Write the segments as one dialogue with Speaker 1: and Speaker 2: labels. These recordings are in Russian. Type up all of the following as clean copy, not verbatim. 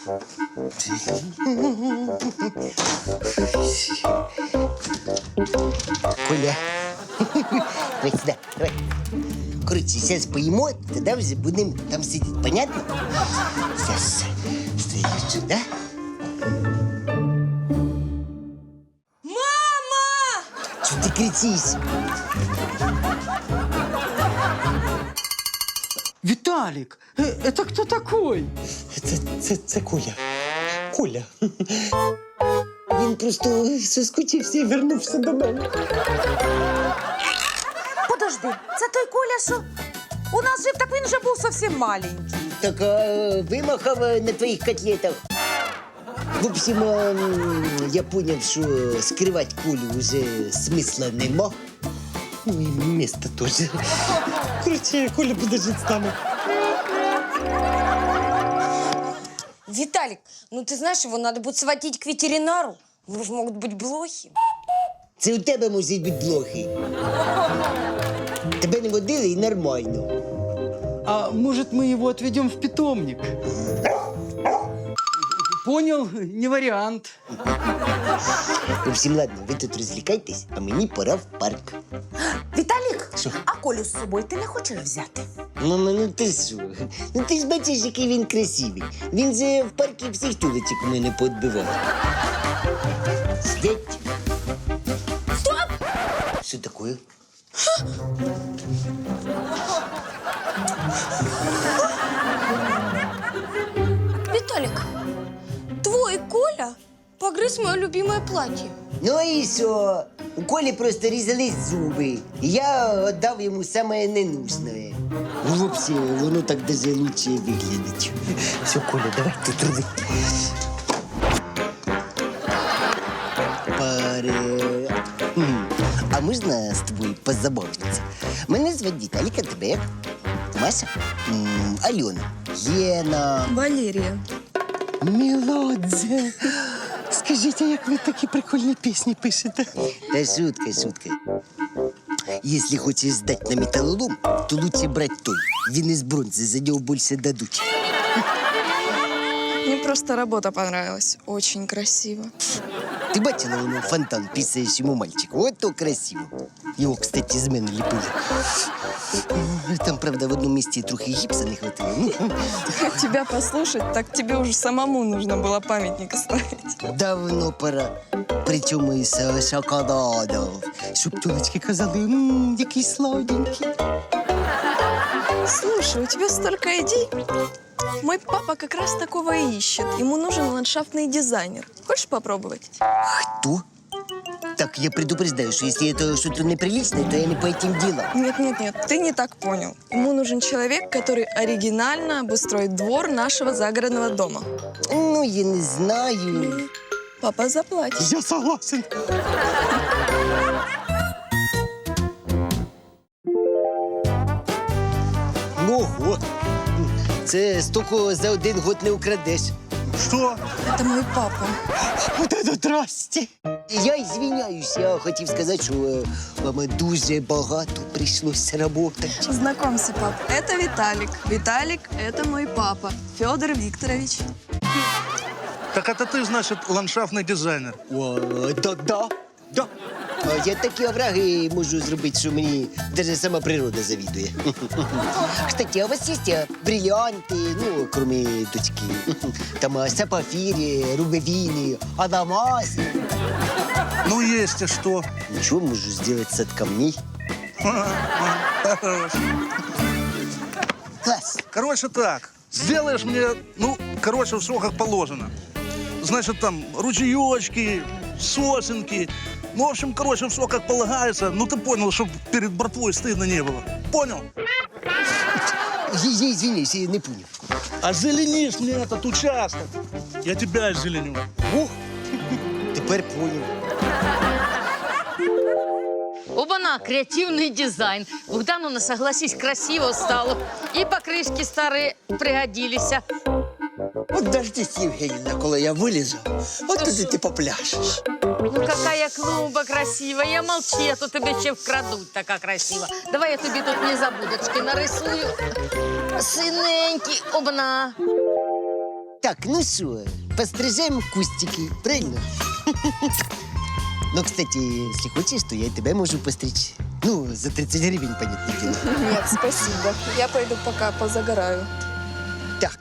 Speaker 1: Коля. Давай сюда, давай. Короче, сейчас поїмо, тоді вже будемо там сидіти. Понятно? Сейчас стоїть сюди.
Speaker 2: Мама!
Speaker 1: Чого ти кричиш?
Speaker 3: Виталик, это кто такой?
Speaker 1: Це Коля. Коля. Він просто соскучився і вернувся до мене.
Speaker 2: Подожди, це той Коля, що у нас жив, так він же був зовсім маленький.
Speaker 1: Так вимахав на твоїх котлетах. В общем, я понял, що скривати Колю вже смисла нема. Ну і місто теж. Короче, Коля буде жити з нами.
Speaker 2: Виталик, ну ты знаешь, его надо будет сводить к ветеринару. Его же могут быть блохи.
Speaker 1: Це у тебе можуть бути блохи. Тебе не водили і нормально.
Speaker 3: А может, мы его отведем в питомник? Понял, не вариант.
Speaker 1: В общем, ладно, ви тут розвлікайтесь, а мені пора в парк.
Speaker 2: Виталик,
Speaker 1: Що?
Speaker 2: а Колю з собою ти не хочеш взяти?
Speaker 1: Мама, ну ти що? Ну ти ж бачиш, який він красивий. Він же в парку всіх тюлечок у мене поотбивав. Сидять.
Speaker 2: Стоп!
Speaker 1: Що таке?
Speaker 2: Виталик, твой Коля погрыз мое любимое платье.
Speaker 1: Ну і що? У Колі просто різались зуби. І я віддав йому саме ненужне. Ну, взагалі, воно так даже лучше виглядить. Все, Коля, давай тут роби. А можна з тобою позабавитися? Мене звати Віталік, а тебе як? Маша? Альона. Єна.
Speaker 4: Валерия.
Speaker 1: Мелодзе. Скажіть, а як ви такі прикольні пісні пишете? Та шутка, шутка. Если хочешь сдать на металлолом, то лучше брать той. Він із бронзи, за нього більше дадуть.
Speaker 4: Мне просто работа понравилась. Очень красиво.
Speaker 1: Ти бачила, воно фонтан писаючому мальчику? От то красиво. Його, кстати, з мене ліпили. Там, правда, в одному місці трохи гіпса не хватило.
Speaker 4: Тебя послушать, так тебе уже самому нужно было памятник ставить.
Speaker 1: Давно пора. Причому із шоколадом. Щоб тюлечки казали, який сладенький.
Speaker 4: Слушай, у тебя столько идей. Мой папа как раз такого и ищет. Ему нужен ландшафтный дизайнер. Хочешь попробовать?
Speaker 1: Кто? Так, я предупреждаю, что если это что-то неприличное, то я не по этим делам.
Speaker 4: Нет, ты не так понял. Ему нужен человек, который оригинально обустроит двор нашего загородного дома.
Speaker 1: Ну, я не знаю.
Speaker 4: Папа заплатит.
Speaker 1: Я согласен. Ого! Це стільки за один год не украдеш.
Speaker 5: Что?
Speaker 4: Это мой папа.
Speaker 1: Вот это здрасте! Я извиняюсь, я хотів сказати, що вам дуже багато прийшлося працювати.
Speaker 4: Знакомься, пап. Это Виталик. Виталик – это мой папа. Федор Викторович.
Speaker 5: Так это ты, значит, ландшафтный дизайнер.
Speaker 1: О, да. Я такі овраги можу зробити, що мені навіть сама природа завідує. Кстати, а у вас є бриллианти, ну, кроме дочки? Там сапфири, рубинины, адамасы.
Speaker 5: Ну, есть, и что?
Speaker 1: Ничего, можу сделать с от камней. Класс.
Speaker 5: Короче, так. Сделаешь мне, ну, короче, все как положено. Значит, там ручеечки, сосенки. Ну, в общем, короче, все как полагается. Ну, ты понял, чтобы перед братвой стыдно не было. Понял?
Speaker 1: Я извиняюсь, я не понял.
Speaker 5: Озеленишь мне этот участок. Я тебя озеленю.
Speaker 1: О, тепер понял.
Speaker 6: Оба-на, креативный дизайн. Богдановна, согласись, красиво стало. И покрышки старые пригодились.
Speaker 7: От дождись, Євгенівна, коли я вилізу, от тоді ти попляшеш.
Speaker 6: Ну, какая клумба красивая. Я молчи, а то тебе ще вкрадуть така красива. Давай я тобі тут незабудочки нарисую. Синенький, обна.
Speaker 1: Так, ну що, пострижем кустики, правильно? Ну, кстати, если хочешь, то я тебя можу постричь. Ну, за 30 гривен, понятное дело.
Speaker 4: Нет, спасибо. Я пойду пока позагораю.
Speaker 1: Так.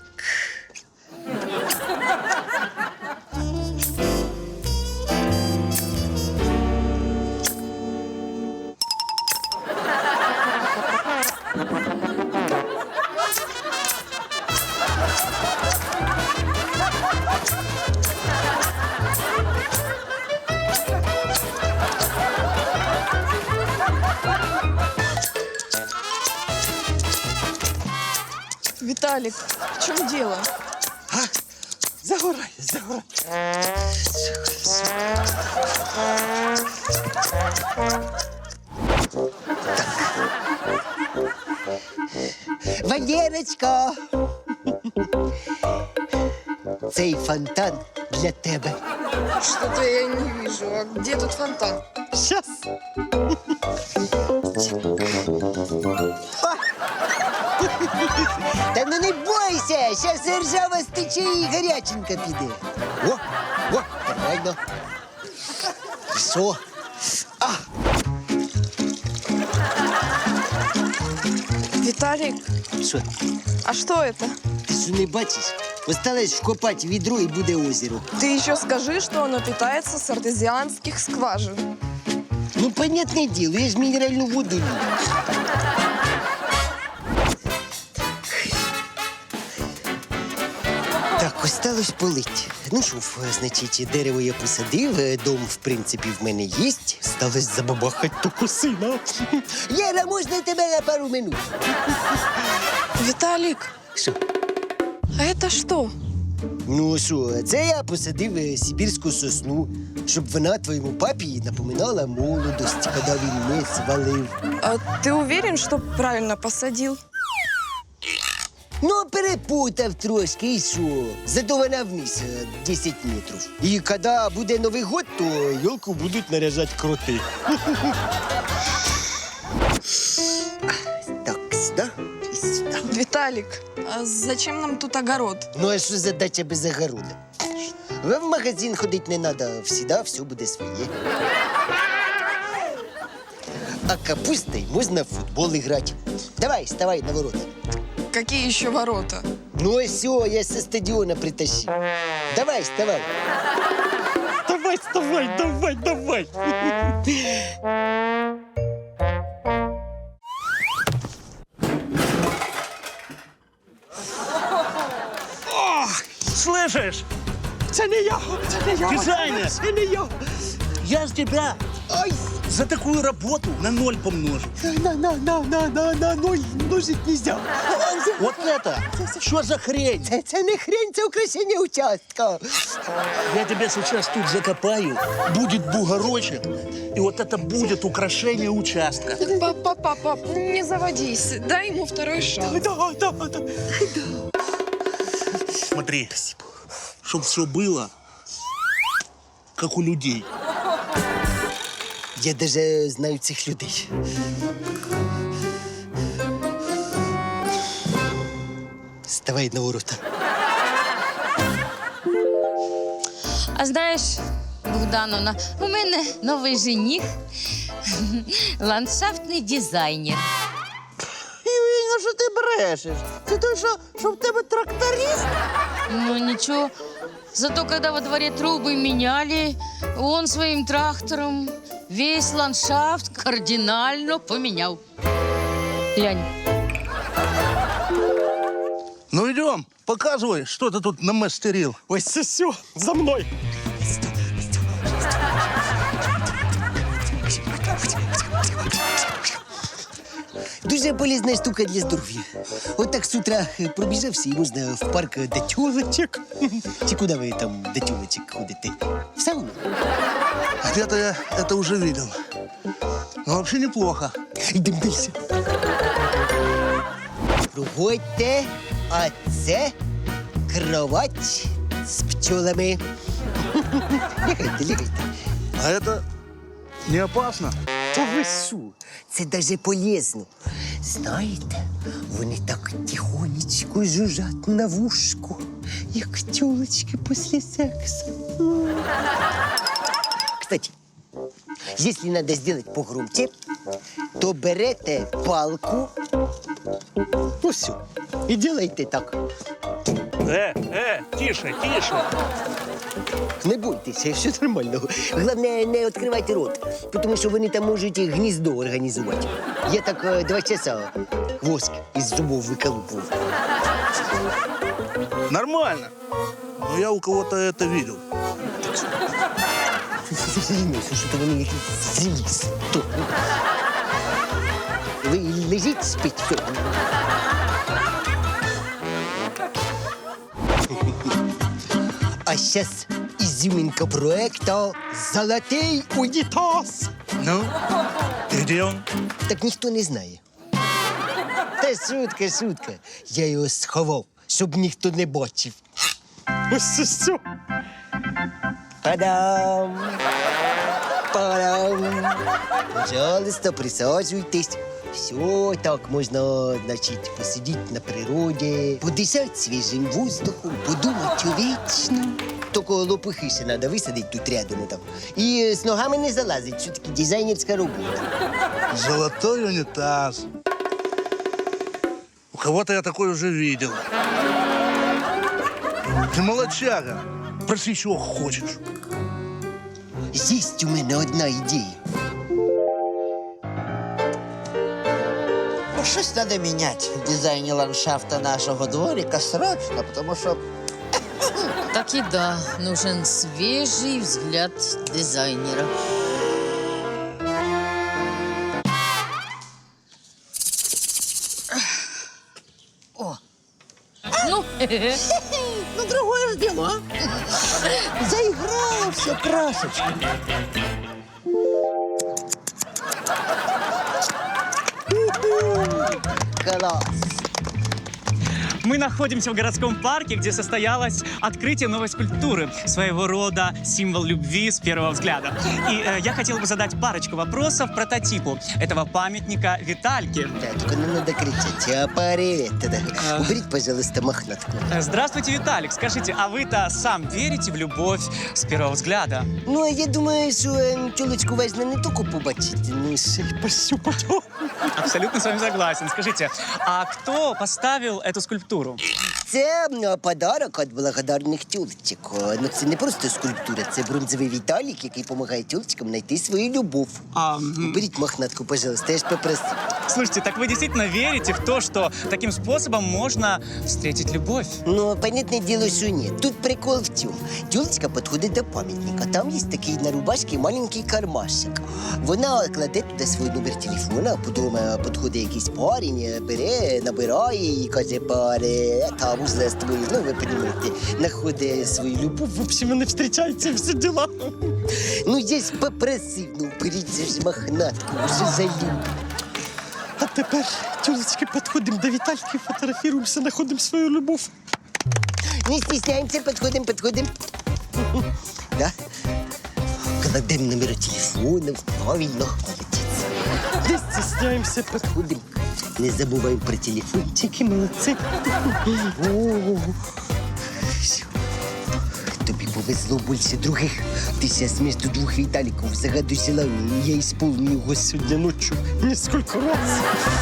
Speaker 4: Виталик, в чем дело?
Speaker 7: Загорай, загорай.
Speaker 1: Валерочка! Цей фонтан для тебе.
Speaker 4: Что-то я не вижу. А где тут фонтан?
Speaker 1: Щас. Та ну не бойся, щас ржава стече і гаряченька піде. О, нормально. Що?
Speaker 4: Виталик,
Speaker 1: Що?
Speaker 4: а что это?
Speaker 1: Ти що не бачиш? Осталось вкопати відро і буде озеро.
Speaker 4: Ты еще скажи, что оно питается с артезианских скважин.
Speaker 1: Ну, понятне діло, я ж мінеральну воду люблю. Так, осталось полить. Ну що, значить, дерево я посадив, дом, в принципі, в мене є. Сталось забабахать ту сина. Лера, можна тебе на пару минут?
Speaker 4: Виталик,
Speaker 1: Що?
Speaker 4: а это что?
Speaker 1: Ну що, це я посадив сибірську сосну, щоб вона твоєму папі напоминала молодость, коли він не свалив.
Speaker 4: А ты уверен, что правильно посадил?
Speaker 1: Ну, перепутав трошки, і що? Зато вона вниз 10 метрів. І коли буде Новий год, то йолку будуть наряжати кроти. Так, сюди і сюди.
Speaker 4: Виталик, а зачем нам тут огород?
Speaker 1: Ну, а що задача без огорода? В магазин ходити не треба, всегда все буде своє. А капустой можна в футбол грати. Давай, вставай на ворота.
Speaker 4: Какие еще ворота?
Speaker 1: Ну, а все, я со стадиона притащил. Давай, вставай.
Speaker 3: Давай, вставай, давай, давай.
Speaker 5: Слышишь?
Speaker 3: Це не я, це не я.
Speaker 5: Дизайнер.
Speaker 3: Це не я.
Speaker 5: Я с тебя за такую работу на 0 помножу.
Speaker 3: На ноль множить нельзя.
Speaker 5: Вот это! Что за хрень?
Speaker 1: Це не хрень, це украшення участка.
Speaker 5: Я тебя сейчас тут закопаю, будет бугорочек, и вот это будет украшение участка.
Speaker 4: Папа, не заводись. Дай ему второй шанс.
Speaker 3: Да.
Speaker 5: Смотри, чтобы все было, как у людей.
Speaker 1: Я даже знаю цих людей. Вставай на ворота.
Speaker 6: А знаєш, Богдановна, у мене новий жених, ландшафтний дизайнер.
Speaker 7: Івіна, що ти брешеш? Це той, що в тебе тракторист?
Speaker 6: Ну ничего, зато когда во дворе трубы меняли, он своим трактором весь ландшафт кардинально поменял. Глянь.
Speaker 5: Ну идем, показывай, что ты тут намастерил.
Speaker 3: Ось це все, за мною.
Speaker 1: Дуже полезна штука для здоров'я. От так з утра пробіжався і можна в парк до тюлочок. Чи куди ви там до тюлочок ходите? В сауну?
Speaker 5: Где-то я это уже видел. Но вообще неплохо.
Speaker 1: Йдемо далі. Проходьте, а це кровать з пчолами. Лягайте.
Speaker 5: А это не опасно?
Speaker 1: Та ви що? Це даже полезно. Знаєте, вони так тихонечко жужжать на вушку, як тёлочки після сексу. Кстати, если надо сделать погромче, то берете палку, ну все, и делайте так.
Speaker 5: Тише, тише.
Speaker 1: Не бойтеся, все нормально. Головне, не відкривайте рот, тому що вони там можуть гніздо організувати. Я так 2 часа воск із зубов виколупував.
Speaker 5: Нормально. Но я у кого-то это видел.
Speaker 1: Що-то вони якісь зліз. Ви лежіть, спіть, все. А сейчас изюминка проекта «Золотий унітаз».
Speaker 5: Ну, и где он?
Speaker 1: Так ніхто не знає. Та шутка, шутка. Я його сховав, щоб ніхто не бачив. Ось все. Падам! Падам! Пожалуйста, присаджуйтесь. Все, так можна, значить, посидіти на природі, подишати свіжим воздухом, подумати вічно. Тільки лопухи ще треба висадити тут рядом. Там. І з ногами не залазить, що таки дизайнерська робота.
Speaker 5: Золотой унитаз. У кого-то я такой уже видел. Ты молодчага. Проси, чего хочешь.
Speaker 1: Есть у мене одна ідея.
Speaker 7: Ну, щось треба міняти в дизайні ландшафта нашого дворика срочно, тому що
Speaker 6: Так и да, нужен свежий взгляд дизайнера. Ну,
Speaker 7: ну, другое ж діло. Заіграло все красочно.
Speaker 1: Класс.
Speaker 8: Мы находимся в городском парке, где состоялось открытие новой скульптуры, своего рода символ любви с первого взгляда. И я хотел бы задать парочку вопросов прототипу этого памятника Витальке.
Speaker 1: Да, только не надо кричать. А привет тогда. Уберите, пожалуйста, мохнатку.
Speaker 8: Здравствуйте, Виталик. Скажите, а вы-то сам верите в любовь с первого взгляда?
Speaker 1: Ну, а я думаю, що тюлечку важно не тільки побачити, ну, ще й пощупати.
Speaker 8: Абсолютно с вами согласен. Скажите, а кто поставил эту скульптуру?
Speaker 1: Це подарок від благодарних тюлечок. Ну, це не просто скульптура, це бронзовий Віталік, який допомагає тюлечкам знайти свою любов. Уберіть мохнатку, пожалуйста, я ж попросив.
Speaker 8: Слушайте, так вы действительно верите в то, что таким способом можно встретить любовь?
Speaker 1: Ну, понятне діло, що ні. Тут прикол в цьому. Тюлечка підходить до пам'ятника. Там є такий на рубашці маленький кармашик. Вона кладе туди свій номер телефона, потім підходить якийсь парень, бере, набирає і каже, паре, там узнає з тобою, ну, ви розумієте, знаходить свою любов. В общем, вони зустрічаються, всі діла. Ну, я ж попросив, ну, беріть ж мохнатку, вже залюб. А тепер, тюлечки, підходимо до Вітальки, фотографуємося, знаходимо свою любов. Не стесняємося, підходимо. Да? Кладемо номер телефону, правильно, молодець. Не стесняємося, підходимо. Не забуваємо про телефончики, молодці. Все. Тобі повезло більше других. Ти зараз між двох Віталіків загадай желання, і я ісполню його сьогодні ночі несколько раз.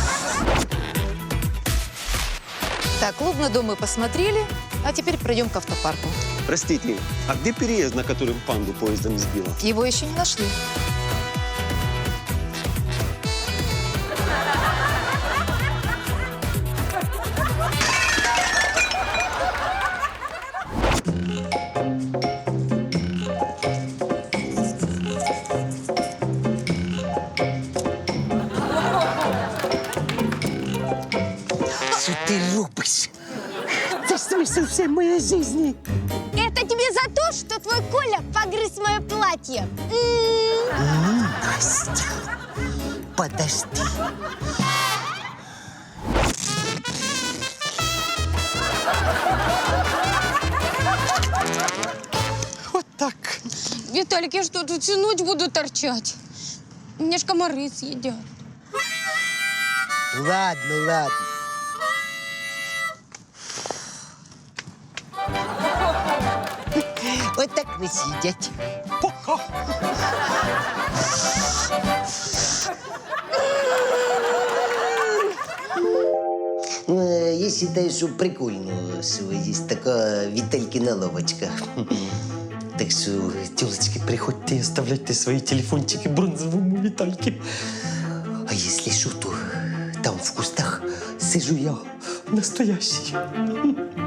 Speaker 9: Так, клубный дом мы посмотрели, а теперь пройдем к автопарку.
Speaker 10: Простите, а где переезд, на котором панду поездом сбила?
Speaker 9: Его еще не нашли.
Speaker 1: Що ти робиш? Це ж смисл всей моей жизни.
Speaker 2: Это тебе за то, что твой Коля погрыз мое платье.
Speaker 1: Настя, подожди.
Speaker 2: Виталик, я что, тут всю ночь буду торчать? Меня ж комары съедят.
Speaker 1: Ладно, ладно. От так не сидять. Я считаю, що прикольно, що є така Віталькіна лавочка. Так що, тілочки, приходьте і оставляйте свої телефончики бронзовому Вітальки. А якщо що, то там в кустах сижу я, настоящий.